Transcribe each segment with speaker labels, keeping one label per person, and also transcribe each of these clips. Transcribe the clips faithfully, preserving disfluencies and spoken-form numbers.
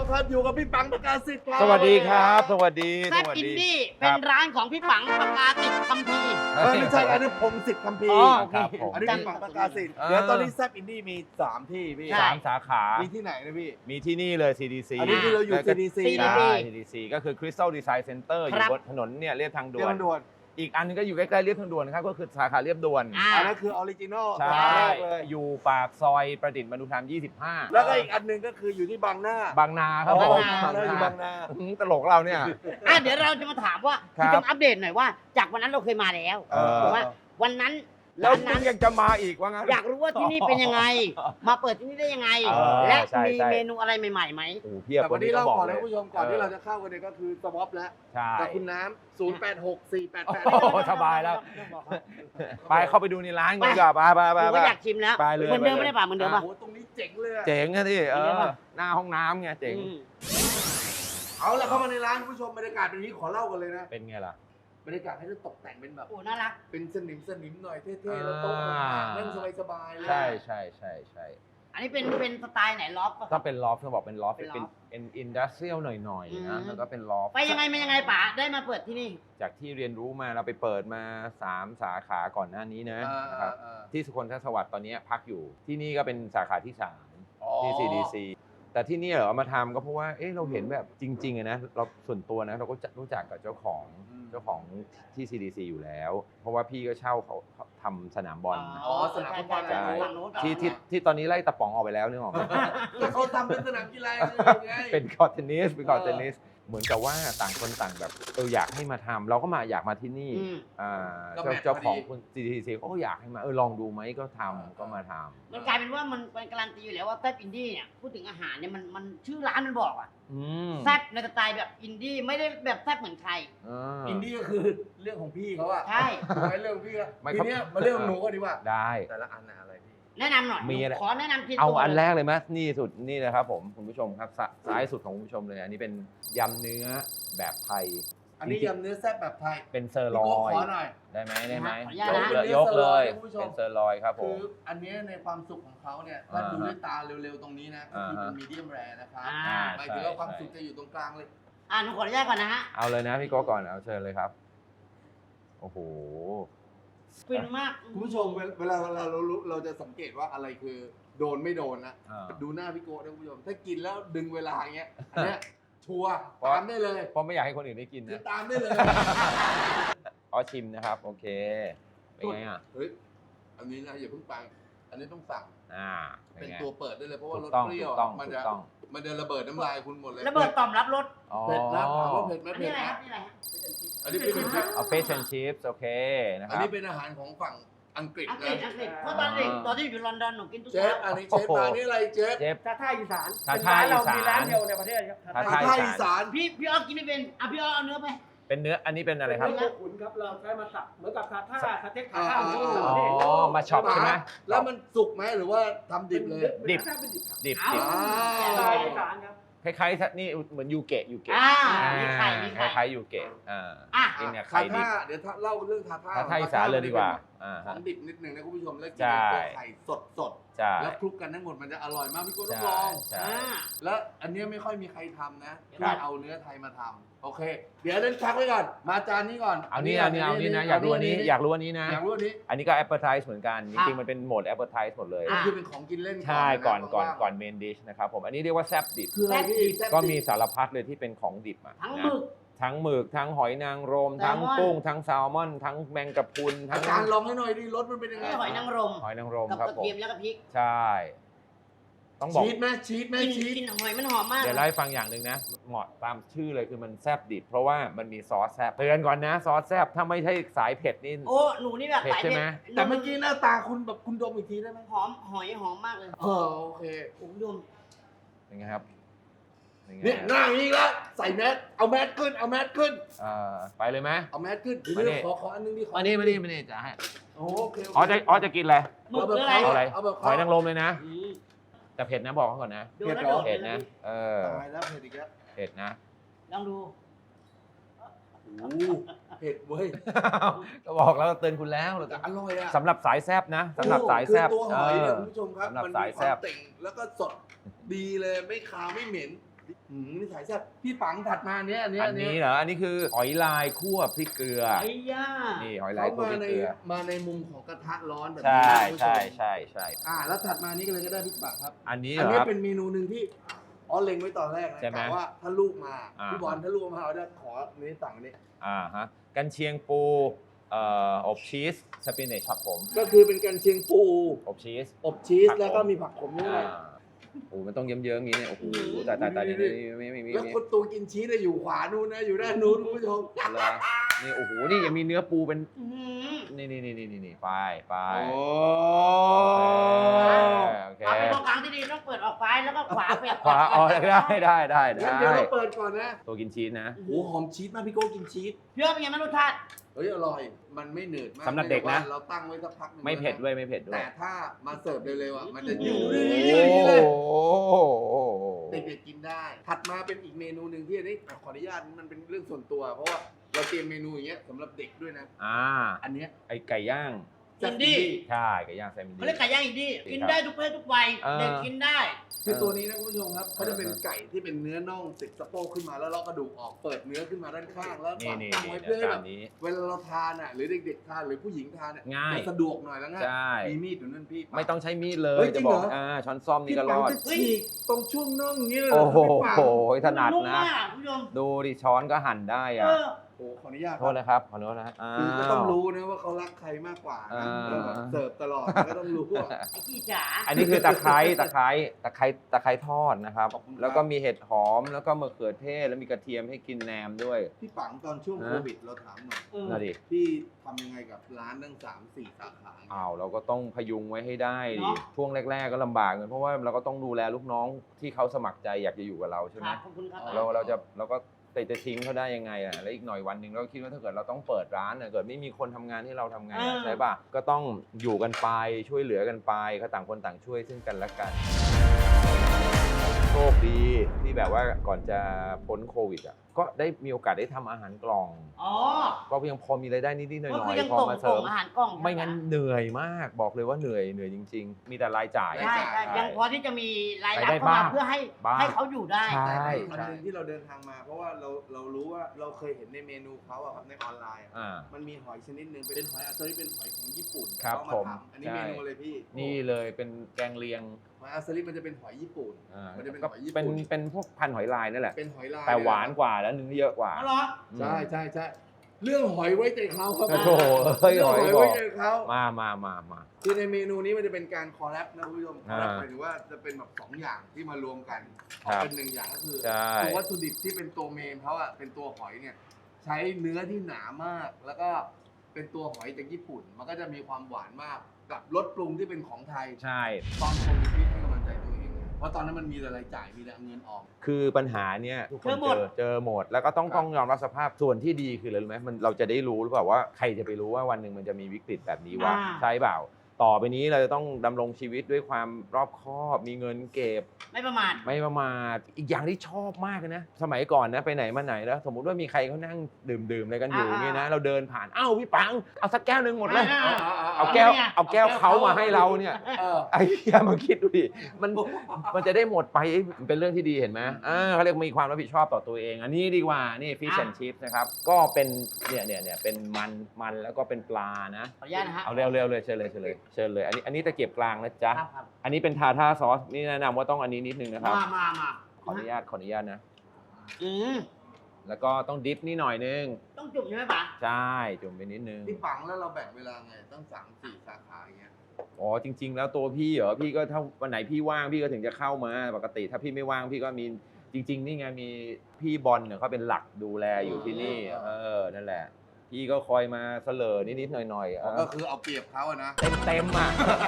Speaker 1: ครับอยู่กับพี่ปังประกาศสิทธิ์ครับ
Speaker 2: สวัสดีครับสวัสดี
Speaker 3: แซ่บอินดี้เป็นร้านของพี่ปังประกาศสิทธิ์คัมภีร์
Speaker 1: เออไม่ใช่อันนี้พงศิษฐ์คัมภี
Speaker 3: อ๋
Speaker 1: ร์
Speaker 3: อ
Speaker 2: ครับผม
Speaker 1: อันนี้พี่ปังประกาศสิทธิ์
Speaker 2: เออ
Speaker 1: เดี๋ยวตอนนี้แซบอินดี้มีสามที่พี่
Speaker 3: ใช่
Speaker 2: สามสาขา
Speaker 1: มีที่ไหนนะพี่
Speaker 2: มีที่นี่เลย ซี ดี ซี
Speaker 1: อันนี้ที่เราอยู่
Speaker 2: แล้วก็
Speaker 1: ซี ดี ซี
Speaker 3: ซี
Speaker 2: ใช่
Speaker 3: ดี
Speaker 2: ซี ดี ซี ก็คือ Crystal Design Center อ
Speaker 3: ครั
Speaker 2: ยู่
Speaker 3: บ
Speaker 2: บนถนนเนี่ยเรียบทางด่
Speaker 1: เรีย
Speaker 2: ว
Speaker 1: บ
Speaker 2: น
Speaker 1: ด่วน
Speaker 2: อีกอันนึงก็อยู่ใกล้ๆเรียบทางด่วนนะครับก็คือสาขาเรียบด่วน
Speaker 3: อ่า
Speaker 1: อันนั้นคือออริจินอล
Speaker 2: ใช่
Speaker 1: เลย
Speaker 2: อยู่ปากซอยประดิษฐ์มนุธรรม ยี่สิบห้า
Speaker 1: แล้วก็อีกอันหนึงก็คืออยู่ที่บางหน้า
Speaker 2: บางนาครับผม
Speaker 3: บางนา
Speaker 1: แล้วอยู่บางนา
Speaker 2: อืมตลกเราเนี่ย
Speaker 3: อ่ะเดี๋ยวเราจะมาถามว่า
Speaker 2: ครับ
Speaker 3: พี่ต้องอัปเดตหน่อยว่า จากวันนั้นเราเคยมาแล้ว
Speaker 2: เออ
Speaker 3: ถูกไหมวันนั้น
Speaker 2: แล้ว
Speaker 3: ร้าน
Speaker 2: มึ
Speaker 3: นั้
Speaker 2: ง
Speaker 3: น
Speaker 2: ยังจะมาอีกว่างั้น
Speaker 3: อยากรู้ว่าที่นี่เป็นยังไง มาเปิดที่นี่ได้ยังไง
Speaker 2: เออ
Speaker 3: และ
Speaker 2: ใช่
Speaker 3: มี
Speaker 2: ใช่
Speaker 3: เมนูอะไรใหม่ๆไหม
Speaker 2: โอ้โหเพียบ
Speaker 1: แต่
Speaker 2: วั
Speaker 1: วัน น
Speaker 2: นี้
Speaker 1: นี้
Speaker 2: ต้อ
Speaker 1: เรา
Speaker 2: งบอก
Speaker 1: ก่อน
Speaker 2: เล
Speaker 1: นะ
Speaker 2: ย
Speaker 1: คุณผู้ชมก่อนที่เราจะเข้ากันเนี่ยก็คือสวอปแล้ว
Speaker 2: ใช่
Speaker 1: กับคุณน้ำศูนย์ แปด หก สี่ แปด แปด
Speaker 2: โอ้โหสบายแล้ว ไปเข้าไปดูในร้านกันดีกว่าไปไป
Speaker 3: ผ
Speaker 2: ไป
Speaker 3: ม
Speaker 2: ไป
Speaker 3: ก็อยากชิมแล้ว
Speaker 2: ไปเลย
Speaker 3: เหมือนเดิม
Speaker 2: ไปเลย
Speaker 3: ไม่ได้ป่ะเหมือนเดิมป่ะ
Speaker 1: โอ้โหตรงนี้เจ๋งเลยอะ
Speaker 2: เจ๋งอะที่เอ
Speaker 3: เจ๋ง
Speaker 2: อ
Speaker 3: ป่ะ
Speaker 2: หน้าห้องน้ำไงเจ๋ง
Speaker 3: อืม
Speaker 1: เอาละเข้ามาในร้านคุณผู้ชมบรรยากาศเป็นอย่างนี้ขอเล่ากันเลยนะ
Speaker 2: เป็นไงล่ะ
Speaker 1: บรรยากาศให้เราตกแต่งเป็นแบบ
Speaker 3: โอ้น่ารัก
Speaker 1: เป็นสนิมสนิมหน่อยเท่ๆแล้วโต๊ะ
Speaker 2: อ่า
Speaker 1: นั่งสบายๆเลย
Speaker 2: ใช่ใช่ใช่ใช่
Speaker 3: อันนี้เป็นเป็นสไตล์ไหนล็อฟป่ะ
Speaker 2: ถ้าเป็นลอฟเขาบอกเป็นลอฟ
Speaker 3: เป็น
Speaker 2: เป็น
Speaker 3: loft
Speaker 2: เป็นอินดัสเทรียลหน่อย
Speaker 3: อื
Speaker 2: ๆ
Speaker 3: ม
Speaker 2: นะแล้วก็เป็นลอฟ
Speaker 3: ไปยังไงมายังไงป๋าได้มาเปิดที่นี่
Speaker 2: จากที่เรียนรู้มาเราไปเปิดมาสามสาขาก่อนหน้านี้นะ
Speaker 1: อ่า
Speaker 2: นะครับ
Speaker 1: อ่า
Speaker 2: ที่สุคนทศวรรษตอนนี้พักอยู่ที่นี่ก็เป็นสาขาที่สาม
Speaker 1: อ๋อ
Speaker 2: ที่ ซี ดี ซี แต่ที่นี่เหรอมาทำก็เพราะว่าเอ๊ะเราเห็นแบบจริงๆอะนะเราส่วนตัวนะเราก็จะรู้จักกับเจ้าของ
Speaker 1: อืม
Speaker 2: เจ้าของที่ ซี ดี ซี อยู่แล้ว เพราะว่าพี่ก็เช่าเขาเขาทำสนามบอล
Speaker 1: อ๋อสนามฟุตบอล
Speaker 3: ใช่
Speaker 1: ฝั่
Speaker 3: ฝั่
Speaker 1: ง
Speaker 3: ง
Speaker 1: นู้
Speaker 3: นู้
Speaker 1: น
Speaker 3: น
Speaker 2: ที่ที่ที่ตอนนี้ไล่ตะป๋องออกไปแล้วนึกออกไหม
Speaker 1: ก็เขาทำเป็นสนามกีฬาไง
Speaker 2: เป็นคอร์ตเทนนิสเป็นคอร์ตเทนนิสเหมือนกับว่าต่างคนต่างแบบเอออยากให้มาทำเราก็มาอยากมาที่นี่
Speaker 3: อืม
Speaker 2: อ่า
Speaker 1: ก็
Speaker 2: เจ้า
Speaker 1: แมท
Speaker 2: เจ้าของ
Speaker 1: พอดี
Speaker 2: คุณ ซี ดี ซี เขาก็อยากให้มาเออลองดูไหมก็ทำก็มาทำ
Speaker 3: มันกลายเป็นว่ามันเป็นการันตีอยู่แล้วว่าแซ่บอินดี้เนี่ยพูดถึงอาหารเนี่ยมันมันชื่อร้านมันบอกอะ
Speaker 2: อืม
Speaker 3: แซ่บในสไตล์แบบอินดี้ไม่ได้แบบแซ่บเหมือนใคร
Speaker 2: อ่า
Speaker 1: อินดี้ก็คือเรื่องของพี่เขาอะ
Speaker 3: ใช่
Speaker 1: ถูกไหมเรื่องของพี่อะ
Speaker 2: ไม่
Speaker 1: ที
Speaker 2: เขา
Speaker 1: เนี้ยมาเรื่องของหนูก็ดีกว่า
Speaker 2: ได้
Speaker 1: แต่ละอันน่ะอะไรพี่
Speaker 3: แนะนำหน่อย
Speaker 2: มีอะไร
Speaker 3: ขอแนะนำทีละ
Speaker 2: เอา
Speaker 3: ตัว
Speaker 2: อัน
Speaker 3: ลย
Speaker 2: แรกเลยไหมนี่สุดนี่นะครับผมคุณผู้ชมครับซซ้ายสุดของคุณผู้ชมเลยอันนี้เป็นยำเนื้อแบบไทย
Speaker 1: อันนี้ยำเนื้อแซ่บแบบไทย
Speaker 2: เป็นเซอร์
Speaker 1: พี่
Speaker 2: ล
Speaker 1: โก้
Speaker 2: อย
Speaker 1: ขอหน่อย
Speaker 2: ได้ไหมได้ไหม
Speaker 3: ขออนุญาต
Speaker 2: ย
Speaker 3: นะ
Speaker 2: กเลยยกเลย
Speaker 1: เป็นเนื้อเซอร์ลอยนะคุณผู้ชม
Speaker 2: เป็นเซอร์ลอยครับผ
Speaker 1: คื
Speaker 2: ม
Speaker 1: ออันเนี้ยในความสุขของเขาเนี่ยถ้า
Speaker 2: อ่าฮะ
Speaker 1: ดูด้วยตาเร็วๆตรงนี้นะก็คือ
Speaker 2: อ่า
Speaker 1: เป็น
Speaker 2: ฮะ
Speaker 1: มีเดียมแรร์นะครับ
Speaker 3: อ่า
Speaker 1: หมายถึงว่าความสุขจะอยู่ตรงกลางเลย
Speaker 3: อ่าหนูขออนุญาตก่อนนะฮะ
Speaker 2: เอาเลยนะพี่โก้ก่อนเอาเชิญเลยครับโอ้โห
Speaker 3: ฟินมาก
Speaker 1: คุณผู้ชมเวลเวลาเวลาเรารู้เราจะสังเกตว่าอะไรคือโดนไม่โดนนะ
Speaker 2: อ่า
Speaker 1: ดูหน้าพี่โก้นะคุณผู้ชม ถ้ากินแล้วดึงเวลาอย่างเงี้ยอันเนี้ยชัวร์
Speaker 2: เพราะ
Speaker 1: ตามได้เลย
Speaker 2: เพราะไม่อยากให้คนอื่นได้กิน
Speaker 1: คือ
Speaker 2: นะ
Speaker 1: ตามได้เลย
Speaker 2: อ๋อชิมนะครับ โอเค เป็นไงอ่ะ
Speaker 1: เฮ้ยอันนี้นะอย่าเพิ่งไปอันนี้ต้องสั่ง
Speaker 2: อ่า
Speaker 1: เป็น
Speaker 2: ไง
Speaker 1: ตัวเปิดได้เลยเพราะว่า
Speaker 2: ถู
Speaker 1: รส
Speaker 2: กต้อง
Speaker 1: เปรี้ยว
Speaker 2: ถูกต้อง
Speaker 1: มัน
Speaker 2: ถู
Speaker 1: จะ
Speaker 2: กต้อง
Speaker 1: มันจะระเบิดน้ำลายคุณหมดเลย
Speaker 3: ระเบิดต่อมรับรส
Speaker 2: อ๋อ
Speaker 1: เผ็ดนะถามว่าเผ็ดไหม
Speaker 3: อัน
Speaker 1: เผ็
Speaker 3: นี้
Speaker 1: ด
Speaker 3: อะไรค
Speaker 1: นะ
Speaker 3: รับนี่อะไรครับ
Speaker 1: อันนี้เป็น
Speaker 2: เอาเฟชชั่นชิพโอเคนะค
Speaker 1: อัน
Speaker 2: รับ
Speaker 1: นี้เป็นอาหารของฝั่งอังกฤษ
Speaker 3: อังก
Speaker 1: นะ
Speaker 3: ฤษอังกฤษเพราะตอนเด็กตอนที่อยู่ลอนดอนหนูกินทุก
Speaker 1: เช
Speaker 3: เช้า
Speaker 1: ฟอันนี้เชฟ
Speaker 2: โอ้โห
Speaker 1: มานี่อะไรเชฟ
Speaker 2: เจฟ
Speaker 4: ชาท่าอีสาน
Speaker 2: ชา
Speaker 4: เป็น
Speaker 2: ท่า
Speaker 4: ร้านเรา
Speaker 2: อีสาน
Speaker 4: มีร้านเดียวในประเทศครับ
Speaker 2: ชา
Speaker 1: ภา
Speaker 2: ท่า
Speaker 1: คอีสาน
Speaker 3: พี่พี่อ้อกินไม่เป็นอ่ะพี่อ้อเอาเนื้อไป
Speaker 2: เป็นเนื้ออันนี้เป็นอะไรครับ
Speaker 4: เป็นเนื้อขุนครับเราใช้มาสับเหมือนกับชาท่าสเต็กชาท่า
Speaker 1: อ่า
Speaker 4: ของ
Speaker 1: อ่า
Speaker 4: เรา
Speaker 2: อ๋อมาช็อปใช่ไหม
Speaker 1: แล้วมันสุกไหมหรือว่าทำดิบเลย
Speaker 2: ดิบ
Speaker 4: ชาท่าเป็นดิบครับ
Speaker 2: ดิบ
Speaker 3: เอา
Speaker 2: ดิบ
Speaker 4: สไตล์อีสานครับ
Speaker 2: คล้ายๆนี่เหมือนยูเกะยูเกะ
Speaker 3: อ่า
Speaker 2: อ่า
Speaker 3: มีไข่มี
Speaker 2: ค
Speaker 3: ไข่
Speaker 2: ล้ายๆยูเกะอ่า
Speaker 3: อ่ะ
Speaker 2: กินกับ
Speaker 1: ทา
Speaker 2: ไข่ดิบ
Speaker 1: ท่าเดี๋ยวถ้าเล่าเรื่องทาท่า
Speaker 2: ถ้าไทยอีสานเลยดีกว่าอ่า
Speaker 1: ขอ
Speaker 2: ฮะ
Speaker 1: งดิบนิดนึงนะคุณผู้ชมแล้วกิน
Speaker 2: ใช่
Speaker 1: ตัวไข่สดสด
Speaker 2: ใช่
Speaker 1: ๆแล้วคลุกกันทั้งหมดมันจะอร่อยมากพี่โก้ต้อง
Speaker 2: ใช่
Speaker 1: ลอง
Speaker 2: ใช่
Speaker 3: อ่า
Speaker 1: แล้วอันเนี้ยไม่ค่อยมีใครทำนะ
Speaker 3: ครั
Speaker 1: ที่
Speaker 3: บ
Speaker 1: เอาเนื้อไทยมาทำโอเค เดี๋ยวเล่นพักไว้ก่อน มาจานนี้ก่อน
Speaker 2: เอานี่เอานี่เอานี่นะอยากรู้อันนี้อยากรู้อันนี้นะ
Speaker 1: อยากรู้อันนี้
Speaker 2: อันนี้ก็ appetize เหมือนกัน จริงๆ มันเป็นโหมด appetize หมดเลย
Speaker 1: ก็คือเป็นของกินเล่น
Speaker 2: ใช่ก่อนก่อน
Speaker 1: ว่างๆ
Speaker 2: ก่อน main dish นะครับผม อันนี้เรียกว่าแซบดิบ
Speaker 1: คืออะไรพี่แซ่บ
Speaker 2: ก็
Speaker 1: ดิบ
Speaker 2: มีสารพัดเลยที่เป็นของดิบอ่ะ
Speaker 3: ทั้ง
Speaker 2: นะ
Speaker 3: หมึก
Speaker 2: ทั้งหมึก ทั้งหอยนางรม
Speaker 3: แซลมอน
Speaker 2: ทั้งกุ้ง ทั้งแซลมอน ทั้งแมงกะพรุน ทั้
Speaker 1: อาง จารย์ลองให้หน่อยดิรสมันเป็นยังไง
Speaker 3: นี่หอยนางรม
Speaker 2: หอยนางรม
Speaker 3: กับ
Speaker 2: ครับ
Speaker 3: กระ
Speaker 2: ผม
Speaker 3: เทียมแล้วก็พริก
Speaker 2: ใช่ ต้องบอก
Speaker 1: ชีสไหมชีสไหม
Speaker 3: กิน
Speaker 1: ชีส
Speaker 3: กินหอยมันหอมมาก
Speaker 2: เดี๋ยวเล่าให้ฟังอย่างหนึ่งนะ เหมาะตามชื่อเลยคือมันแซบดิบ เพราะว่ามันมีซอสแซบเตือนก่อนนะ ซอสแซบถ้าไม่ใช่สายเผ็ดนี่
Speaker 3: โอ้หนูนี่แบบ
Speaker 2: เผ็ด
Speaker 3: สาย
Speaker 2: ใช่ไหม
Speaker 1: แต่เมื่อกี้หน้าตาคุณแบบคุณดมอีกทีได้ไหม
Speaker 3: หอมหอยหอมมากเลย
Speaker 1: เออโอเค
Speaker 3: ผมดม
Speaker 2: เป็นไงครับเป็นไง
Speaker 1: เนี่ยหน้าอย่างนี้แล้วใส่แมสเอาแมสขึ้นเอาแมสขึ้น
Speaker 2: เอ่อไปเลยไหม
Speaker 1: เอาแมสขึ้นเดี๋ยว
Speaker 2: มานี่
Speaker 1: ขอขออันนึงดิขอ
Speaker 2: มานี่มานี่มานี่จะให้
Speaker 1: โอเคโเค
Speaker 2: อ๋อจะอ๋อจะกินอะไร
Speaker 3: หมึกหรืออะไร
Speaker 2: เอาอะไร
Speaker 1: เอาแบบ
Speaker 2: หอยนางรมเลยนะ
Speaker 3: อืม
Speaker 2: แต่เผ็ดนะบอกเขาก่อนนะ
Speaker 3: ดูแล้วโดด
Speaker 2: เผ็ด
Speaker 3: เล
Speaker 2: นะ
Speaker 3: ย
Speaker 2: เออ
Speaker 1: ตายแล้วเผ็ดอีกแล้ว
Speaker 2: เผ็ดนะ
Speaker 3: ลองดู
Speaker 1: โอ้โหเผ็ดเว้ย
Speaker 2: ก็บอกแล้วเตือนคุณแล้ว
Speaker 1: แต่อร่อยอะ
Speaker 2: สำหรับสายแซบนะสำหรับสายแซบ
Speaker 1: คือตัวหอยเนี่ย
Speaker 2: เออ
Speaker 1: คุณผู้ชมครับ
Speaker 2: สำหรับ
Speaker 1: มัน
Speaker 2: สา
Speaker 1: มี
Speaker 2: ย
Speaker 1: ค
Speaker 2: แซ่
Speaker 1: วาม
Speaker 2: บ
Speaker 1: เต่งแล้วก็สดดีเลยไม่คาวไม่เหม็นอืมนี่สายแซ่บพี่ปังถัดมาเนี้ยอันเนี้ย
Speaker 2: อันนี้เหรออันนี้คือหอยลายคั่วพริกเกลือ
Speaker 3: ไอ้ย่า
Speaker 2: นี่หอยลาย
Speaker 1: เขา
Speaker 2: คั่ว
Speaker 1: มา
Speaker 2: พริก
Speaker 1: ใน
Speaker 2: เกลือ
Speaker 1: มาในมุมของกระทะร้อนแบบ
Speaker 2: ใช่
Speaker 1: นี้คุณผู้ช
Speaker 2: ใช่
Speaker 1: ม
Speaker 2: ใช่ใช่
Speaker 1: อ่าแล้วถัดมานี้ก็เลยก็ได้พี่ปังครับ
Speaker 2: อันนี้
Speaker 1: อัน
Speaker 2: เหรอ
Speaker 1: นี้
Speaker 2: ครับ
Speaker 1: เป็นเมนูหนึ่งที่อ๋อเล็งไว้ตอนแรกนะ
Speaker 2: ใช่ไหม
Speaker 1: แต่ว่าถ้าลูกมา
Speaker 2: อ่า
Speaker 1: พี่บอลถ้าลูกมาเอาได้ขออันนี้สั่งอันนี้
Speaker 2: อ่าฮะกันเชียงปูเอ่ออบชีสสปินเนชครับผม
Speaker 1: ก็คือเป็นกันเชียงปู
Speaker 2: อบชีส
Speaker 1: อบชีส
Speaker 2: ผักขม
Speaker 1: แล้วก็มีผักขมด้วย
Speaker 2: อ่าโอ้มันต้องเยิ้มๆอย่างนี้เนี่ยโอ้โหตายตายตายนี่ไม่ไม่ไม่
Speaker 1: แล้ว
Speaker 2: ไม่
Speaker 1: คนตัวกินชีสน่ะอยู่ขวานู้นนะอยู่ด้านนู้นคุณผู้ชม
Speaker 2: เลยนี่โอ้โหนี่ยังมีเนื้อปูเป็น
Speaker 3: อื้อหือ
Speaker 2: นี่นี่นี่นี่นี่ไปไป
Speaker 1: โอ้
Speaker 2: โอเค
Speaker 3: เอาไปตรงกลางที่ดีต้องเปิดออกซ้ายแล้วก็ขวาเปลี่ยน
Speaker 2: ขวาอ๋อได้ได้ได้
Speaker 1: งั้น
Speaker 2: ได้
Speaker 1: เดี๋ยวเราเปิดก่อนนะ
Speaker 2: ตัวกินชีสนะ
Speaker 1: โอ้โหหอมชีสมากพี่โก้กินชีส
Speaker 3: เชื่อเป็นไงมันรสชาติ
Speaker 1: เฮ้ยอร่อย มันไม่เหนืดมาก
Speaker 2: สำหรับเด็กนะ
Speaker 1: เราตั้งไว้สักพักหนึง
Speaker 2: ไม่เผ็ด
Speaker 1: แล้
Speaker 2: ด้วยไม่เผ็ดด้ว
Speaker 1: แต่
Speaker 2: ย
Speaker 1: ถ้ามาเสิร์ฟเร็วๆอ่ะมันจะ
Speaker 3: โอ้
Speaker 1: ยื
Speaker 3: โห
Speaker 1: ด
Speaker 2: โอ้
Speaker 1: ยืดยืดเลย
Speaker 2: โห
Speaker 1: เด็กๆกินได้ ถัดมาเป็นอีกเมนูหนึ่งที่อันนี้ขออนุญาตมันเป็นเรื่องส่วนตัว เพราะว่าเราเตรียมเมนูอย่างเงี้ยสำหรับเด็กด้วยนะ
Speaker 2: อ่า
Speaker 1: อันเนี้ย
Speaker 2: ไอไก่ย่าง
Speaker 3: อินดี้
Speaker 2: ใช่ไก่ย่างแซม
Speaker 3: เขา
Speaker 2: ดี้
Speaker 3: เรียกไก่ย่างอินดี้กินได้ทุกเพศทุกวัย
Speaker 2: เออ
Speaker 3: เด็กกินได้
Speaker 1: คือตัวนี้นะคุณผู้ชมครับเขาจะเป็น
Speaker 2: เออ
Speaker 1: ไก่ที่เป็นเนื้อน่องติดสะโพกขึ้นมาแล้วเรากระดูกออกเปิดเนื้อขึ้นมาด้านข้างแล้ว
Speaker 2: นี่
Speaker 1: ฝัง
Speaker 2: นี่
Speaker 1: ตั้ง
Speaker 2: นี่
Speaker 1: ไว้
Speaker 2: เดี๋
Speaker 1: เพื่
Speaker 2: ย
Speaker 1: อ
Speaker 2: ว
Speaker 1: ให้แบ
Speaker 2: ตาม
Speaker 1: บ
Speaker 2: นี้
Speaker 1: เวลาเราทานอ่ะหรือเด็กๆทานหรือผู้หญิงทานอ่ะ
Speaker 2: ง่าย
Speaker 1: จะสะดวกหน่อยแล้วง่าย
Speaker 2: ใช่
Speaker 1: มีมีดอยู่นั่นพี่
Speaker 2: ไม่ต้องใช้มีดเล
Speaker 1: เฮ้
Speaker 2: ย
Speaker 1: ยจริ
Speaker 2: จะ
Speaker 1: ง
Speaker 2: บอก
Speaker 1: เหรอ
Speaker 2: อ่าช้อนซ่อมนี่
Speaker 1: พี่
Speaker 2: ก็ร
Speaker 1: ปัง
Speaker 2: อด
Speaker 1: จะฉีกตรงช่วงน่องอย่างนี้เลย
Speaker 2: โอ้โห
Speaker 1: พี่ปัง
Speaker 2: ถนัด
Speaker 3: นุ่ม
Speaker 2: นะ
Speaker 3: มากคุณผู้ชม
Speaker 2: ดูดิช้อนก็หั่นได้
Speaker 3: เอ
Speaker 2: อ่ะ
Speaker 3: อ
Speaker 1: โอ้ขออนุญาต
Speaker 2: โทษนะครับขอโทษนะอ้า
Speaker 1: คือก็ต้อง
Speaker 2: ว
Speaker 1: รู้นะว่าเขารักใครมากกว่านะ
Speaker 2: อ่า
Speaker 1: แล้วแบบเสิร์ฟตลอดก็ต้องรู้ว่า
Speaker 3: ไอ้ขี้จ๋า
Speaker 2: อันนี้คือตะไคร้ตะไคร้ตะไคร้ตะไคร้ทอดนะครับ
Speaker 1: ขอบคุณครับ
Speaker 2: แล้วก็มีเห็ดหอมแล้วก็มะเขือเทศแล้วมีกระเทียมให้กินแหนมด้วย
Speaker 1: พี่ปังตอนช่วง
Speaker 2: นะ
Speaker 1: โควิดเราถามหน่อย
Speaker 3: เออ
Speaker 2: น่าดิ
Speaker 1: พี่ทำยังไงกับร้านตั้งสามสี่สาขาเนี่ย
Speaker 2: อ้าวเราก็ต้องพยุงไว้ให้ได้ดิ
Speaker 3: เนาะ
Speaker 2: ช่วงแรก ๆ ก็ลำบากเลยเพราะว่าเราก็ต้องดูแลลูกน้องที่เขาสมัครใจอยากจะอยู่กับเราใช่ไห
Speaker 3: ค
Speaker 2: ม
Speaker 3: รับขอบคุณครับ
Speaker 2: เราเราจะเราก็แต่จะทิ้งเขาได้ยังไงอ่ะแล้วอีกหน่อยวันหนึ่งเราคิดว่าถ้าเกิดเราต้องเปิดร้านอ่ะเกิดไม่มีคนทำงานให้เราทำไงอ่ะใช่ป่ะก็ต้องอยู่กันไปช่วยเหลือกันไปก็ต่างคนต่างช่วยซึ่งกันและกันโชคดีที่แบบว่าก่อนจะพ้นโควิดอ่ะก็ได้มีโอกาสได้ทำอาหารกล่อง
Speaker 3: อ๋อ
Speaker 2: ก็ยังพอมีรายได้นิดๆหน่
Speaker 3: ก็
Speaker 2: อ
Speaker 3: คื
Speaker 2: ย
Speaker 3: อยัง
Speaker 2: ๆพอ
Speaker 3: ส่ง
Speaker 2: มาเส
Speaker 3: ส่
Speaker 2: ริ
Speaker 3: ง
Speaker 2: ม
Speaker 3: อาหารกล่อง
Speaker 2: ไม่งั้นเหนื่อยมากบอกเลยว่าเหนื่อยเหนื่อยจริง ๆ มีแต่รายจ่าย
Speaker 3: ใช่ใช่ยังพอที่จะมีรายรับ
Speaker 2: รายได้
Speaker 3: เข้ามา
Speaker 2: บ้าง
Speaker 3: เพื่อให้
Speaker 2: บ้าง
Speaker 3: ให้เขาอยู่ได้
Speaker 2: ใช่
Speaker 1: แต่อีกอันหนึ่งที่เราเดินทางมา เพราะว่าเราเรารู้ว่าเราเคยเห็นในเมนูเขาอะครับในออนไลน์อะ
Speaker 2: อ่า
Speaker 1: มันมีหอยชนิดหนึ่งเป็นหอยอาซาริเป็นหอยของญี่ปุ่น
Speaker 2: ครับ
Speaker 1: เขามา
Speaker 2: ผม
Speaker 1: ทำอันนี้
Speaker 2: ใช่
Speaker 1: เมนูเลยพี่
Speaker 2: นี่เลยเป็นแกงเลียง
Speaker 1: หอยอาซาริมันจะเป็นหอยญี่ปุ่น
Speaker 2: อ่า
Speaker 1: มันจะเป็น
Speaker 2: ก็
Speaker 1: หอยญี่
Speaker 2: เป็น
Speaker 1: ปุ่น
Speaker 2: เป็นพวกพันธุ์หอยลายนั่นแหละ
Speaker 1: เป็นหอยลาย
Speaker 2: แต่หวานกว่าแล้วเนื้อเยอะกว่า
Speaker 3: อ๋อเหรอ
Speaker 1: ใช่ใช่ใช่เรื่องหอยไว้ใจเขาครับ
Speaker 2: โอ้โหเฮ้ย
Speaker 1: เรื่
Speaker 2: หอย
Speaker 1: หอย
Speaker 2: บอ
Speaker 1: ไว้
Speaker 2: ก
Speaker 1: ใจเขา
Speaker 2: มามามามา
Speaker 1: คือในเมนูนี้มันจะเป็นการคอลแลบนะคุณผู้ชมคอลแลบ
Speaker 2: อ่า
Speaker 1: หมายถึงว่าจะเป็นแบบสองอย่างที่มารวมกันอ
Speaker 2: ค
Speaker 1: อก
Speaker 2: รับ
Speaker 1: เป็นหนึ่งอย่างก็คือ
Speaker 2: ใช่
Speaker 1: ตัววัตถุดิบที่เป็นตัวเมนเขาอะเป็นตัวหอยเนี่ย ใช้เนื้อที่หนามาก แล้วก็เป็นตัวหอยจากญี่ปุ่น มันก็จะมีความหวานมากกับรสปรุงที่เป็นของไทย
Speaker 2: ใช่
Speaker 1: ตอนโควิดพี่ให้กำลังใจตัวเองนะเพราะตอนนั้นมันมีแต่รายจ่ายมีแต่เงินออก
Speaker 2: คือปัญหาเนี่ยทุกคน
Speaker 3: เจอหม
Speaker 2: เจ
Speaker 3: ด
Speaker 2: อเจอหมด แล้วก็ต้อง
Speaker 1: ครับ
Speaker 2: ต้องยอมรับสภาพส่วนที่ดีคืออะไรรู้ไหมมันเราจะได้รู้หรือเปล่าว่าใครจะไปรู้ว่าวันหนึ่งมันจะมีวิกฤตแบบนี้วะ
Speaker 3: อ่า
Speaker 2: ใช่เปล่า ต่อไปนี้เราจะต้องดำรงชีวิตด้วยความรอบคอบ มีเงินเก็บ
Speaker 3: ไม่ประมาท
Speaker 2: ไม่ประมาทอีกอย่างที่ชอบมากเลยนะ สมัยก่อนนะไปไหนมาไหนแล้ว สมมุติว่ามีใครเขานั่งดื่มๆอะไรกันอยู่
Speaker 3: อ่า
Speaker 2: เนี่ยนะ เราเดินผ่านอ้าวพี่ปังเอาสักแก้วหนึ่งหมดเลย
Speaker 3: อ่า
Speaker 2: เอาแก้ว
Speaker 3: เอาเนี่ย
Speaker 2: เอาแก้วเขามาให้เราเนี่ย
Speaker 1: เออ
Speaker 2: ไอ้เหี้ยมาคิดดูดิมันมันจะได้หมดไปมันเป็นเรื่องที่ดีเห็นไหมอ่าเขาเรียกมีความรับผิดชอบต่อตัวเอง อันนี้ดีกว่านี่ฟิชแอนชิพนะครับก็เป็นเนี่ยเนี่ยเนี่ยเป็นมันมันแล้วก็เป็นปลานะ
Speaker 3: ขออนุญาตนะฮะ
Speaker 2: เอาเร็วๆเลยเชิญเลยเชิญเลยเชิญเลยอันนี้อันนี้ตะเกียบกลางนะจ๊ะ
Speaker 3: ครับครับ
Speaker 2: อันนี้เป็นทาท่าซอสนี่แนะนำว่าต้องอันนี้นิดนึงนะครับ
Speaker 3: มามามา
Speaker 2: ขออนุญาตขออนุญาตนะ
Speaker 3: อืม
Speaker 2: แล้วก็ต้องดิฟนี่หน่อยนึง
Speaker 3: ต้องจุ่มใช่ไหมป๋า
Speaker 2: ใช่จุ่มไปนิดนึง
Speaker 1: พี่ปังแล้วเราแบ่งเวลาไงตั้งสามสี่สาขาอย่างเงี้ย
Speaker 2: อ๋อจริง ๆ แล้วตัวพี่เหรอพี่ก็ถ้าวันไหนพี่ว่างพี่ก็ถึงจะเข้ามาปกติ ถ้าพี่ไม่ว่างพี่ก็มีจริง ๆ นี่ไงมีพี่บอลเนี่ยเขาเป็นหลักดูแลอยู่ที่นี่ เออนั่นแหละ พี่ก็คอยมาเสลอนิดๆหน่อยๆเออ
Speaker 1: ก็คือเอาเปรียบเขาอะนะ
Speaker 2: เต็มเต็มๆอ่ะ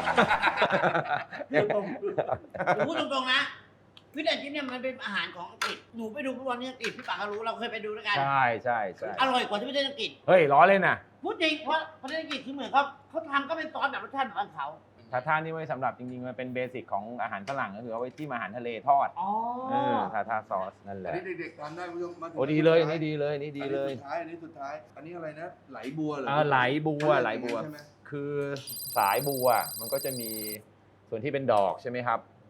Speaker 3: หนูพูดตรงๆนะฟิชแอนชิพเนี่ยมันเป็นอาหารของอังกฤษหนูไปดูฟุตบอลที่อังกฤษพี่ป๋าก็รู้เราเคยไปดูด้วยกัน
Speaker 2: ใช่ใช่ใช่
Speaker 3: อร่อยกว่าที่ประเทศอังกฤษ
Speaker 2: เฮ้ยล้อเล่นน่ะ
Speaker 3: พูดจริงเพราะประเทศอังกฤษคือเหมือนเขาเขาทำก็เป็นซอสแบบรสชาติแบบของเขา
Speaker 2: ทาท่านี่ไว้สำหรับจริงๆมันเป็นเบสิกของอาหารฝรั่งก็คือเอาไว้ที่อาหารทะเลทอด
Speaker 3: อ๋อ
Speaker 2: เออทาท่าซอสนั่นแห
Speaker 1: อัน
Speaker 2: ละ
Speaker 1: นี้เด็กๆทานได้คุณผู้ชมมาถึง
Speaker 2: โอ้ดีเลยอันนี้ดีเลยอันนี้ดีเลย
Speaker 1: อันนี้สุดท้ายอันนี้สุดท้าย อันนี้อะไรนะ ไหลบัวเหรอ
Speaker 2: อ่าไหลบัวไหลบัว
Speaker 1: ใช่ไหม
Speaker 2: คือสายบัวมันก็จะมีส่วนที่เป็นดอกใช่ไหมครับ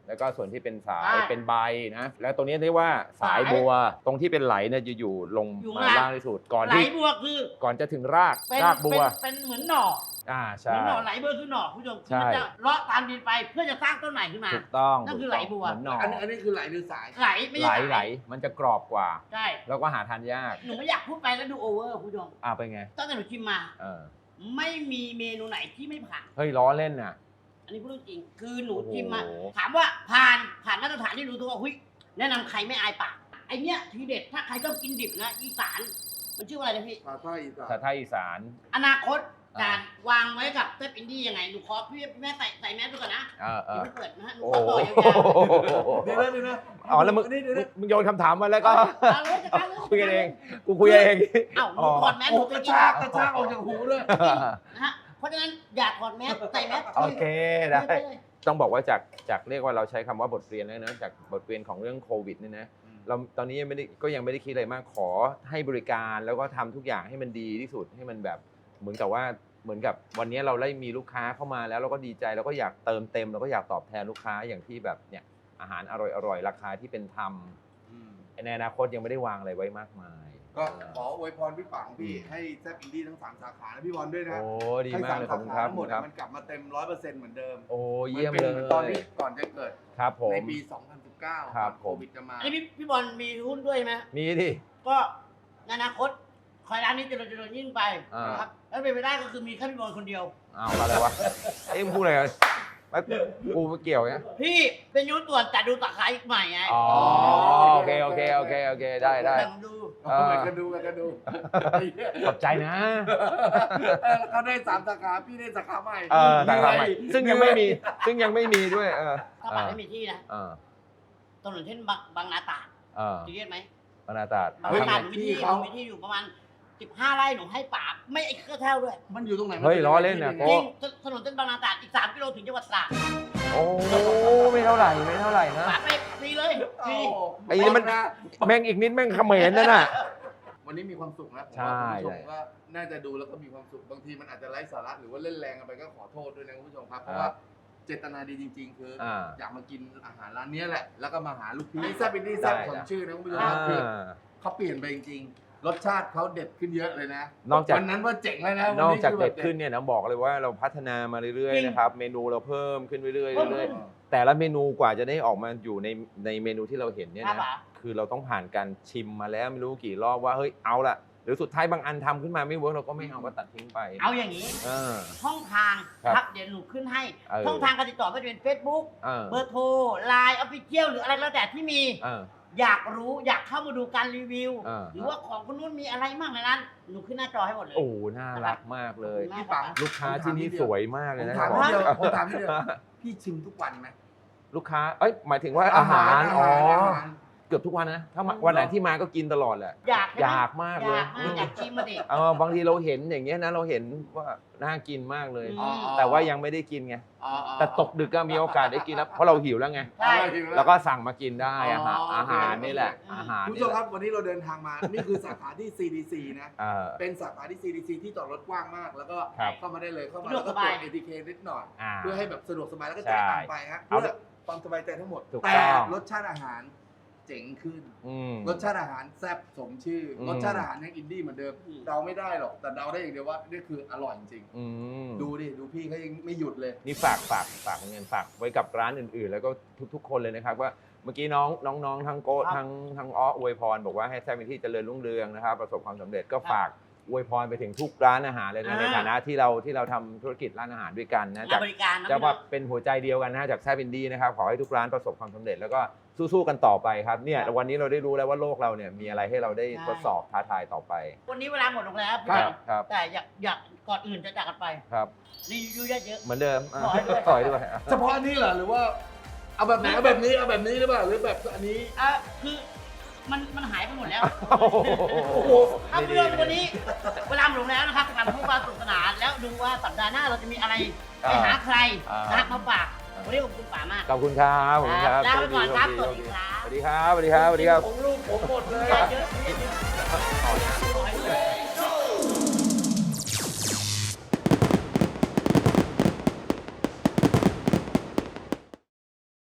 Speaker 2: แล้วก็ส่วนที่เป็นสาย
Speaker 3: ใช่
Speaker 2: เป็นใบนะแล้วตรงนี้เรียกว่าสายบัว ตรงที่เป็นไหลเนี่ยจะอยู่ลง
Speaker 3: อยู่
Speaker 2: มา
Speaker 3: ข้างล่าง
Speaker 2: ล่างที่สุดก่อน
Speaker 3: ไหล
Speaker 2: ที่
Speaker 3: บัวคือ
Speaker 2: ก่อนจะถึงราก
Speaker 3: เป็น
Speaker 2: รากบัว
Speaker 3: เป็นเป็นเหมือนหน่อ
Speaker 2: อ่า
Speaker 3: เห
Speaker 2: ใช่
Speaker 3: มือนหน่อไหลบัวคือหน่อคุณผู้ชม
Speaker 2: ใช่
Speaker 3: มันจะเลาะตามดินไปเพื่อจะสร้างต้นใหม่ขึ้นมา
Speaker 2: ถูกต้อง
Speaker 3: นั่นคือ
Speaker 2: ถูกต้ง
Speaker 3: ไหลบัว
Speaker 2: เหมือนหน่อ
Speaker 1: อันอันนี้คือไหลหรือสาย
Speaker 3: ไหลไม่
Speaker 2: ไหล
Speaker 3: ใช่
Speaker 2: ไหลมันจะกรอบกว่า
Speaker 3: ใช่
Speaker 2: แล้วก็หาทานยาก
Speaker 3: หนูไม่อยากพูดไปแล้วดูโอเวอร์คุณผู้ชม
Speaker 2: อ่าเป็นไง
Speaker 3: ตั้งแต่หนูชิมมา
Speaker 2: เออ
Speaker 3: ไม่มีเมนูไหนที่ไม่ผ่าน
Speaker 2: เฮ้ยล้อเล่นน่ะ
Speaker 3: อันนี้พูดเรื่องจริง คือหนู
Speaker 2: โอ้โห
Speaker 3: ชิมมา ถามว่าผ่านผ่านมาตรฐานที่รู้ตัวว่าหุ้ยแนะนำใครไม่อายปากไอเนี้ยทีเด็ดถ้าใครชอบกินดิบนะอีสานมันชื่อว่าอะไรนะพี่
Speaker 1: ภาษาอีสาน
Speaker 2: สาไทยอีสาน
Speaker 3: อนาคต
Speaker 2: อ่า
Speaker 3: การวางไว้กับเทปอินดี้ยังไงหนูขอพี่แม่ใส่ใส่แมสดูก่อนนะ
Speaker 2: เออเอ
Speaker 3: อย่า
Speaker 2: อ
Speaker 3: เพิ่งเปิดนะฮะหนู
Speaker 2: โอ้
Speaker 3: ขอ
Speaker 2: โห
Speaker 3: ต่อยาว
Speaker 1: เดี๋ยวนะเดี๋ยวนะ
Speaker 2: อ๋อแล้วมึง
Speaker 1: นี่เดี๋ยวนะ
Speaker 2: มึงโยนคำถามมาแล้วก็
Speaker 3: ๆเอาเลยจัดการเลย
Speaker 2: คุยกันเองกูคุยเอง
Speaker 3: เอ้าหนูถอดแมสห
Speaker 1: โอ้
Speaker 3: นู
Speaker 1: ก
Speaker 3: จะ
Speaker 1: ระ
Speaker 3: กิน
Speaker 1: ชากกระชากออกจากหูด้วย
Speaker 3: นะฮะเพราะฉะนั้นอย่าถอดแมสใส่แมส
Speaker 2: โอเคได้
Speaker 3: คุยปเลย
Speaker 2: ต้องบอกว่าจากจากเรียกว่าเราใช้คำว่าบทเรียนแล้วนะจากบทเรียนของเรื่องโควิดเนี่ยนะเราตอนนี้ยังไม่ได้ก็ยังไม่ได้คิดอะไรมากขอให้บริการแล้วก็ทำทุกอย่างให้มันดีที่สุดให้มันแบบเหมือนกับว่าเหมือนกับวันนี้เราได้มีลูกค้าเข้ามาแล้วเราก็ดีใจเราก็อยากเติมเต็มเราก็อยากตอบแทนลูกค้าอย่างที่แบบเนี่ยอาหารอร่อยๆราคาที่เป็นธรรมในอนาคตยังไม่ได้วางอะไรไว้มากมาย
Speaker 1: ก็ขออวยพรพี่ปังพี่ให้แซ่บอินดี้ทั้งสามสาขานะพี่บอลด้วยนะ
Speaker 2: โอ้ดี
Speaker 1: ให้
Speaker 2: มาก
Speaker 1: สาม
Speaker 2: เลยขอ
Speaker 1: สา
Speaker 2: บคุณ
Speaker 1: ขา
Speaker 2: ครับ
Speaker 1: ทั้งหมด
Speaker 2: ครับ
Speaker 1: มันกลับมาเต็มร้อยเปอร์เซ็นต์เหมือนเดิม
Speaker 2: โอ้เยี่ยม
Speaker 1: นป็น
Speaker 2: เล
Speaker 1: หมือนตอน
Speaker 2: ย
Speaker 1: ที่ก่อนจะเกิด
Speaker 2: ครับผม
Speaker 1: ในปี สองพันสิบเก้า
Speaker 2: ครับ
Speaker 1: ก่อนโควิดจะมา
Speaker 3: อันนี้พี่พี่บอลมีหุ้นด้วยไหม
Speaker 2: มีดิ
Speaker 3: ก็ในอนาคตคอยร้านนี้เจริญเจริญยิ่งไป
Speaker 2: อ่าน
Speaker 3: นะครับแล้วเป็นไปได้ก็คือมีแค่พี่บอลคนเดียว
Speaker 2: อ้าวอะไรวะเอ้ยมึงพูดอะไรกันไม่กูไม่เกี่ยวไง
Speaker 3: พี่เป็นยุทธตรวจจัดดูสาขาอีกใหม่ไง
Speaker 2: อ๋อโอเคโอเคโอเคโอเคได้ได้
Speaker 3: แบ่งดู
Speaker 2: เออ
Speaker 1: เหมือนกันดูเหมือนกันดู
Speaker 2: ขอบใจนะ
Speaker 1: เออเขาได้สามสาขาพี่ได้สาขาใหม่
Speaker 2: เออต่างๆใหม่ซึ่งยังไม่มีซึ่งยังไม่มีด้วยเออ
Speaker 3: ถ้าปัดไม่มีที่นะ
Speaker 2: เออ
Speaker 3: ถนนเช่นบางบางนาตราด
Speaker 2: เออ
Speaker 3: จะเรียกไหม
Speaker 2: ปนาตาด
Speaker 3: บาง
Speaker 1: เฮ้ย
Speaker 3: นาตราดหนูมีที่
Speaker 1: ที่
Speaker 3: ห
Speaker 1: เขา
Speaker 3: นูมีที่อยู่ประมาณสิบห้าไร่หนูให้ป่าไม่ไอ้เครือแถวด้วย
Speaker 1: มันอยู่ตรงไหน
Speaker 2: เฮ้ยล้อเล่นนะ
Speaker 1: มั
Speaker 2: โก้
Speaker 3: จริงถนนเส้นบางนาตราดอีกสามกิโลถึงจังหวัดตราด
Speaker 2: โอ้ไม่เท่าไหร่ไม่เท่าไหร่นะ
Speaker 3: ป่าไปฟรีเลย
Speaker 1: โอ้
Speaker 3: ฟรี
Speaker 2: ไอ้นี่มัน แม่งอีกนิดแม่งเขมรนั่นน่ะ
Speaker 1: วันนี้มีความสุขนะผม
Speaker 2: ใช่
Speaker 1: ว่าคุณผู้ชมก็น่าจะดูแล้วก็มีความสุขบางทีมันอาจจะไร้สาระหรือว่าเล่นแรงกันไปก็ขอโทษด้วยนะคุณผู้ชมครับเพราะว่าเจตนาดีจริง ๆ คืออ
Speaker 2: อ่า
Speaker 1: อยากมากินอาหารร้านเนี้ยแหละ แล้วก็มาหาลูกพี่แซ่บอินดี้แซ่บ
Speaker 2: ได้
Speaker 1: สม
Speaker 2: นะ
Speaker 1: ชื่อนะคุณผู้ชม
Speaker 2: อ่า
Speaker 1: ครับคือเขาเปลี่ยนไปจริงๆ รสชาติเขาเด็ดขึ้นเยอะเลยนะ
Speaker 2: นอกจาก
Speaker 1: วันนั้นว่าเจ๋งเลยนะ
Speaker 2: นอกจาก
Speaker 1: วั
Speaker 2: เด็ด
Speaker 1: คือ
Speaker 2: ขึ้นเนี่ยนะบอกเลยว่าเราพัฒนามาเรื่อย
Speaker 3: จริง
Speaker 2: ๆนะครับเมนูเราเพิ่มขึ้นเรื่อย
Speaker 3: เพิ่ม
Speaker 2: ๆเรื่อย
Speaker 3: ขึ้น
Speaker 2: ๆแต่ละเมนูกว่าจะได้ออกมาอยู่ในในเมนูที่เราเห็นเนี่ย
Speaker 3: ครับ
Speaker 2: นะ
Speaker 3: ป๋า
Speaker 2: คือเราต้องผ่านการชิมมาแล้วไม่รู้กี่รอบว่าเฮ้ยเอาละหรือสุดท้ายบางอันทำขึ้นมาไม่เวิร์กเราก็ไม่เอาก็ตัดทิ้งไป
Speaker 3: เอาอย่างนี้
Speaker 2: เออ
Speaker 3: ช่องทาง
Speaker 2: ครับ
Speaker 3: ครับเดี๋ยวหนูขึ้นให้
Speaker 2: เออ
Speaker 3: ช่องทางการติดต่อไม่ว่าจะเป็น Facebook
Speaker 2: เออ
Speaker 3: เบอร์โทรไลน์ออฟฟิเชียลหรืออะไรแล้วแต่ที่มี
Speaker 2: เออ
Speaker 3: อยากรู้อยากเข้ามาดูการรีวิว
Speaker 2: เออ
Speaker 3: หรือว่าของคนนู้นมีอะไรบ้างในนั้น หนูขึ้นหน้าจอให้หมดเลย
Speaker 2: โอ้น่ารักมากเลย
Speaker 1: พี่ปัง
Speaker 2: ลูกค้าที่นี่สวยมาก
Speaker 1: ผ
Speaker 2: เลย
Speaker 1: ม
Speaker 2: นะ
Speaker 1: ถาม
Speaker 2: บอ
Speaker 1: ที
Speaker 2: ก
Speaker 1: เดียวผมถามทีเดียวพี่ชิมทุกวันไหม
Speaker 2: ลูกค้าเอ้ยหมายถึงว่าอาหารอ๋อ
Speaker 1: อาหาร
Speaker 2: เกือบทุกวันนะถ้ามาวันไหนที่มาก็กินตลอดแหละ
Speaker 3: อยากใช่ไหม
Speaker 2: อยากมากเลย
Speaker 3: อยากมากอยากชิมมาดิ
Speaker 2: เออบางทีเราเห็นอย่างเงี้ยนะเราเห็นว่าน่ากินมากเลย
Speaker 3: อืม
Speaker 2: แต่ว่ายังไม่ได้กินไง
Speaker 1: อ๋ออ๋อ
Speaker 2: แต่ตกดึกก็มีโอกาสได้กินแล้วเพราะเราหิวแล้วไง
Speaker 3: ใช่
Speaker 2: แล้วก็สั่งมากินได้อาหาร
Speaker 1: อ๋ออ
Speaker 2: อาหารนี่แหละ
Speaker 3: อืม
Speaker 2: อาหาร
Speaker 1: คุณผู้
Speaker 2: นี่
Speaker 1: ชม
Speaker 2: แห
Speaker 1: ครั
Speaker 2: ละ
Speaker 1: บวันนี้เราเดินทางมา นี่คือสาขาที่ ซี ดี ซี นะ
Speaker 2: เออ
Speaker 1: เป็นสาขาที่ ซี ดี ซี ที่จอดรถกว้างมาก แล้วก็
Speaker 2: ครับ
Speaker 1: เข้ามาได้เลยเข้ามา
Speaker 3: สะด
Speaker 1: แล้ว ว
Speaker 3: ก
Speaker 1: ก็
Speaker 3: ส
Speaker 1: ตร
Speaker 3: บา
Speaker 1: วย จ เอ ที เค นิดหน่อย
Speaker 2: อ่า
Speaker 1: เพื่อให้แบบสะดวกสบายแล้วก็จ่ายตังค์ไปฮะ
Speaker 2: เอา
Speaker 1: เพื่อความสบายใจทั้งหมด
Speaker 2: ถูก
Speaker 1: แต่
Speaker 2: ต้อง
Speaker 1: รสชาติอาหารเจ๋งขึ้น
Speaker 2: อืม
Speaker 1: รสชาติอาหารแซ่บสมชื่ออ
Speaker 2: ม
Speaker 1: รสชาติอาหารยังอินดี้เหมือนเดิมเดาไม่ได้หรอกแต่เดาได้อย่างเดียวว่านี่คืออร่อยจริง
Speaker 2: อืม
Speaker 1: ๆดูดิดูพี่เขายังไม่หยุดเลย
Speaker 2: นี่ฝากฝากฝากเงินฝากไว้กับร้านอื่นๆ แล้วก็ทุกๆ คนเลยนะครับว่าเมื่อกี้น้องน้องๆทั้งโก้
Speaker 3: ครับ
Speaker 2: ทั้งทั้งอ้ออวยพรบอกว่าให้แซ่บเป็นที่เจริญรุ่งเรืองนะครับประสบความสำเร็จก็ฝากอวยพรไปถึงทุกร้านอาหารเลยนะ
Speaker 3: อ่า
Speaker 2: ในฐานะที่เราที่เราทำธุรกิจร้านอาหารด้วยกันนะ
Speaker 3: งา
Speaker 2: จาก
Speaker 3: นบริการนะ
Speaker 2: จะ
Speaker 3: พี่น้
Speaker 2: ว่า
Speaker 3: อง
Speaker 2: เป็นหัวใจเดียวกันนะจากแซ่บอินดี้นะครับขอให้ทุกร้านประสบความสำเร็จแล้วก็สู้ๆกันต่อไปครับเนี่ย
Speaker 3: ครับ
Speaker 2: วันนี้เราได้รู้แล้วว่าโลกเราเนี่ยมีอะไรให้เราได้
Speaker 3: ใช่
Speaker 2: ทดสอบท้าทายต่อไป
Speaker 3: วันนี้เวลาหมดลงแล้ว
Speaker 1: ครับ
Speaker 2: ครับ
Speaker 3: แต่อยากอยากก่อนอื่นจะจากกันไป
Speaker 2: ครับ
Speaker 3: รีวิวเยอะ
Speaker 2: เหมือนเดิมอ่ะ
Speaker 3: ขอให้ด้วย
Speaker 2: ขอให้ด้วยอ่ะ
Speaker 1: เฉพาะอันนี้เหรอหรือว่าเอาแบบไหนเอาแบบนี้เอาแบบนี้หรือเปล่าหรือแบบอันนี้
Speaker 3: ๆอ่ะคือมันมันหายไปหมดแล้ว
Speaker 2: โอ้โห
Speaker 1: โอ้โห
Speaker 3: ถ้าเรื่องวันนี้เวลาหมดลงแล้วนะครับการพูดความสนุกสนานแล้วดูว่าสัปดาห์หน้าเราจะมีอะไรไปหาใคร
Speaker 2: อ่า
Speaker 3: นะครับมาฝากวันนี้ขอบคุณป๋ามาก
Speaker 2: ขอบคุณครับขอบคุณครับ
Speaker 3: ลาไปก่อนครับ
Speaker 2: โช
Speaker 3: สวัสดีครับ
Speaker 2: สวัสดีครับสวัดีครับสวัสดีครับ
Speaker 1: ของลูกผมหมดเลย
Speaker 3: เยอะๆเยอะๆ